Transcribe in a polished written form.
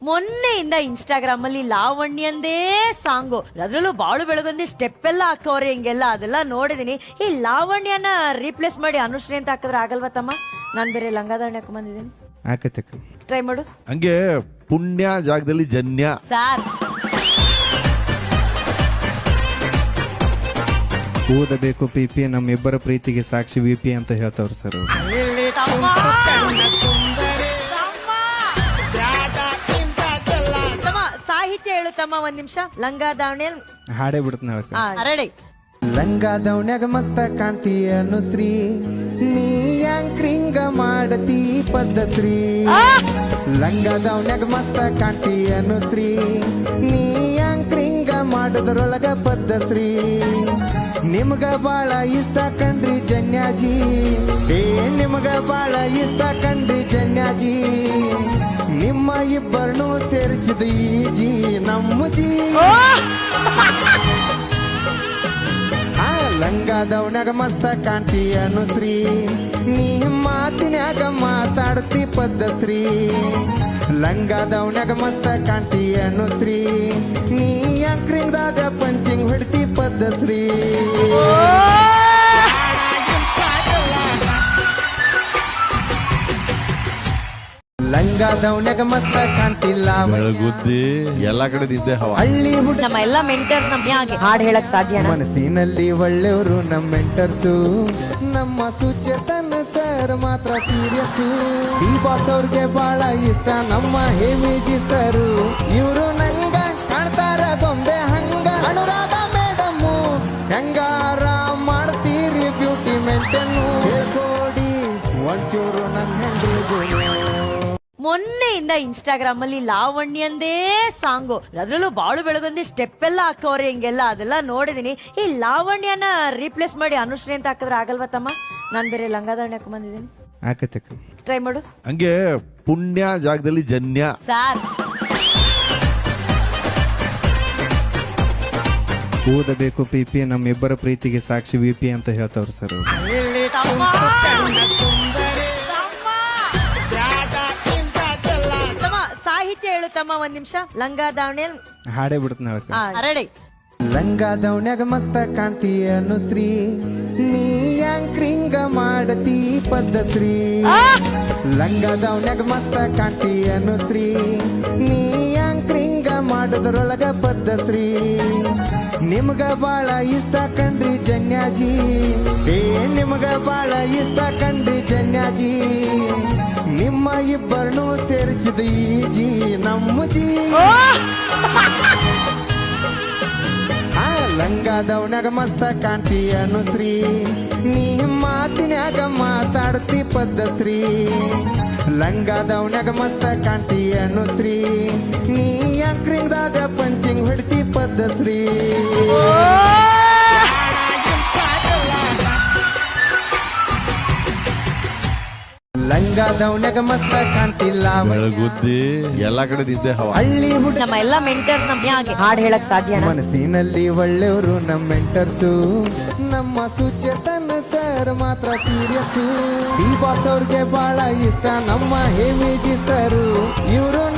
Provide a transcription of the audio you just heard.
ಮೊನ್ನೆಯಿಂದ Instagram ಅಲ್ಲಿ ಲಾವಣ್ಯಂದೇ song, ಅದ್ರಲ್ಲೂ ಬಾಳು ಬೆಳಗೊಂದಿ ಸ್ಟೆಪ್ ಎಲ್ಲ ಹಾಕೋರಿ ಹಿಂಗೆಲ್ಲ ಅದೆಲ್ಲ ನೋಡಿದೀನಿ. ಈ ಲಾವಣ್ಯನ ರೀಪ್ಲೇಸ್ ಮಾಡಿ ಅನುಶ್ರೀ ಅಂತ ಹಾಕಿದ್ರೆ ಆಗಲ್ವಾ ತಮ್ಮ? ನಾನ್ ಬೇರೆ ಲಂಗಾದಾವಣಿ ಹಾಕೊಂಡ್ ಆಕತಕ್ಕ ಟ್ರೈ ಮಾಡು. ಹಂಗೆ ಪುಣ್ಯ ಜಾಗದಲ್ಲಿ ಜನ್ಯ ಸಾರ್ ಓದಬೇಕು ಪಿಪಿ ನಮ್ಮಿಬ್ಬರ ಪ್ರೀತಿಗೆ ಸಾಕ್ಷಿ ವಿಪಿ ಅಂತ ಹೇಳ್ತಾವ್ರು ಸರ್ ಅವ್ರು. ತಮ್ಮ ಸಾಹಿತ್ಯ ಹೇಳು ತಮ್ಮ, ಒಂದ್ ನಿಮಿಷ. ಲಂಗಾದಾವಣಿ ಹಾಡೇ ಬಿಡ್ತಾನೆ ಹೇಳಕ್ಕ. ರೆಡಿ. ಲಂಗಾದವನ್ಯಾಗ ಮಸ್ತ ಕಾಣ್ತಿ ಅನುಶ್ರೀ, ನೀ ಯಾಂಕ್ರಿಂಗ ಮಾಡತಿ ಪದ್ಧಶ್ರೀ. ಲಂಗಾದವನ್ಯಾಗ ಮಸ್ತ ಕಾಣ್ತಿ ಅನುಶ್ರೀ, ನೀ ಯಾಂಕ್ರಿಂಗ ಮಾಡೋದ್ರೊಳಗ ಪದ್ಧಶ್ರೀ. ನಿಮ್ಗ ಬಾಳ ಇಷ್ಟ ಕಂಡ್ರಿ ಜನ್ಯಾಜಿ, ಏ ನಿಮ್ಗ ಬಾಳ ಇಷ್ಟ ಕಂಡ್ರಿ ಜನ್ಯಾಜಿ. ನಿಮ್ಮ ಇಬ್ಬರನ್ನು ಸೇರಿಸಿದ ಈ ಜಿ ನಮ್ಮ ಜಿ. ಲಂಗಾದವನ್ಯಾಗ ಮಸ್ತ ಕಾಣ್ತಿ ಅನುಶ್ರೀ, ನೀ ಮಾತಿನ್ಯಾಗ ಮಾತಾಡ್ತಿ ಪದ್ಧಶ್ರೀ. ಲಂಗಾದವನ್ಯಾಗ ಮಸ್ತ ಕಾಣ್ತಿ ಅನುಶ್ರೀ, ನೀ ಅಂಕ್ರಿಂಗ್ದಾಗ ಪಂಚಿಂಗ್ ಹೊಡ್ತಿ ಪದ್ಧಶ್ರೀ. ಲಂಗಾದವನ್ಯಾಗ ಮಸ್ತ ಕಾಣ್ತಿಲ್ಲ ಬೆಳಗುದ್ದಿ ಎಲ್ಲಾ ಕಡೆ ನಿದ್ದೆ ಹವಾ. ಹಳ್ಳಿ ಹುಡುಗ ನಮ್ಮ ಎಲ್ಲಾ ಮೆಂಟರ್ಸ್ ನಮ್ಗೆ ಹಾಡ್ ಹೇಳಕ್ ಸಾಧ್ಯ? ಮನಸ್ಸಿನಲ್ಲಿ ಒಳ್ಳೆಯವರು ನಮ್ಮ ಮೆಂಟರ್ಸು, ನಮ್ಮ ಸುಚೇತನ್ ಸರ್ ಮಾತ್ರ ಸೀರಿಯಸ್ಸು. ಈ ಬಾಸ್ ಅವ್ರಿಗೆ ಬಹಳ ಇಷ್ಟ ನಮ್ಮ ಹೇಮಿಜಿ ಸರು, ಇವರು ನಂಗ ಕಾಣ್ತಾರ ಗೊಂಬೆ ಹಂಗ. ಅನುರಾಧ ಮೇಡಮ್ಮು ಹೆಂಗಾರ ಮಾಡ್ತೀರಿ ಬ್ಯೂಟಿ ಮೇಂಟೇನು, ಹೇಳ್ಕೊಡಿ ಒಂಚೂರು ನನ್ನ ಹೆಂಡ್ರಿಗೂ. ಮೊನ್ನೆಯಿಂದ ಇನ್ಸ್ಟಾಗ್ರಾಮ್ ಅಲ್ಲಿ ಲಾವಣ್ಯಂದೇ ಸಾಂಗು, ಅದ್ರಲ್ಲೂ ಬಾಳು ಬೆಳಗೊಂದಿ ಸ್ಟೆಪ್ ಎಲ್ಲ ಹಾಕೋರಿ ಹಿಂಗೆಲ್ಲ ಅದೆಲ್ಲ ನೋಡಿದೀನಿ. ಈ ಲಾವಣ್ಯನ ರೀಪ್ಲೇಸ್ ಮಾಡಿ ಅನುಶ್ರೀ ಅಂತ ಹಾಕಿದ್ರೆ ಆಗಲ್ವಾ ತಮ್ಮ? ನಾನ್ ಬೇರೆ ಲಂಗಾದಾವಣಿ ಹಾಕೊಂಡ್ ಆಕತಕ್ಕ ಟ್ರೈ ಮಾಡು. ಹಂಗೆ ಪುಣ್ಯ ಜಾಗದಲ್ಲಿ ಜನ್ಯ. ಸಾರ್ ಓದಬೇಕು ಪಿಪಿ ನಮ್ಮಿಬ್ಬರ ಪ್ರೀತಿಗೆ ಸಾಕ್ಷಿ ವಿಪಿ ಅಂತ ಹೇಳ್ತಾವ್ರು ಸರ್ ಅವ್ರು. ತಮ್ಮ ಸಾಹಿತ್ಯ ಹೇಳು ತಮ್ಮ, ಒಂದ್ ನಿಮಿಷ. ಲಂಗಾದಾವಣಿ ಹಾಡೇ ಬಿಡ್ತಾನೆ ಹೇಳಕ್ಕ. ರೆಡಿ. ಲಂಗಾದವನ್ಯಾಗ ಮಸ್ತ ಕಾಣ್ತಿ ಅನುಶ್ರೀ, ನೀ ಯಾಂಕ್ರಿಂಗ ಮಾಡತಿ ಪದ್ಧಶ್ರೀ. ಲಂಗಾದವನ್ಯಾಗ ಮಸ್ತ ಕಾಣ್ತಿ ಅನುಶ್ರೀ, ನೀ ಯಾಂಕ್ರಿಂಗ ಮಾಡೋದ್ರೊಳಗ ಪದ್ಧಶ್ರೀ. ನಿಮ್ಗ ಬಾಳ ಇಷ್ಟ ಕಂಡ್ರಿ ಜನ್ಯಾಜಿ, ಏ ನಿಮ್ಗ ಬಾಳ ಇಷ್ಟ ಕಂಡ್ರಿ ಜನ್ಯಾಜಿ. ನಿಮ್ಮ ಇಬ್ಬರನ್ನು ಸೇರಿಸಿದ ಈ ಜಿ ನಮ್ಮ ಜಿ. ಲಂಗಾದವನ್ಯಾಗ ಮಸ್ತ ಕಾಣ್ತಿ ಅನುಶ್ರೀ, ನೀ ಮಾತಿನ್ಯಾಗ ಮಾತಾಡ್ತಿ ಪದ್ಧಶ್ರೀ. ಲಂಗಾದವನ್ಯಾಗ ಮಸ್ತ ಕಾಣ್ತಿ ಅನುಶ್ರೀ, ನೀ ಅಂಕ್ರಿಂಗ್ದಾಗ ಪಂಚಿಂಗ್ ಹೊಡ್ತಿ ಪದ್ಧಶ್ರೀ. ಲಂಗಾದವನ್ಯಾಗ ಮಸ್ತ ಕಾಣ್ತಿಲ್ಲ ಬೆಳಗುದ್ದಿ ಎಲ್ಲಾ ಕಡೆ ನಿದ್ದೆ ಹವಾ. ಹಳ್ಳಿ ಹುಡುಗ ನಮ್ಮ ಎಲ್ಲಾ ಮೆಂಟರ್ಸ್ ನಮ್ಗೆ ಹಾಡ್ ಹೇಳಕ್ ಸಾಧ್ಯ? ಮನಸ್ಸಿನಲ್ಲಿ ಒಳ್ಳೆಯವರು ನಮ್ಮ ಮೆಂಟರ್ಸು, ನಮ್ಮ ಸುಚೇತನ್ ಸರ್ ಮಾತ್ರ ಸೀರಿಯಸ್ಸು. ಈ ಬಾಸ್ ಅವ್ರಿಗೆ ಬಹಳ ಇಷ್ಟ ನಮ್ಮ ಹೇಮಿಜಿ ಸರು, ಇವರು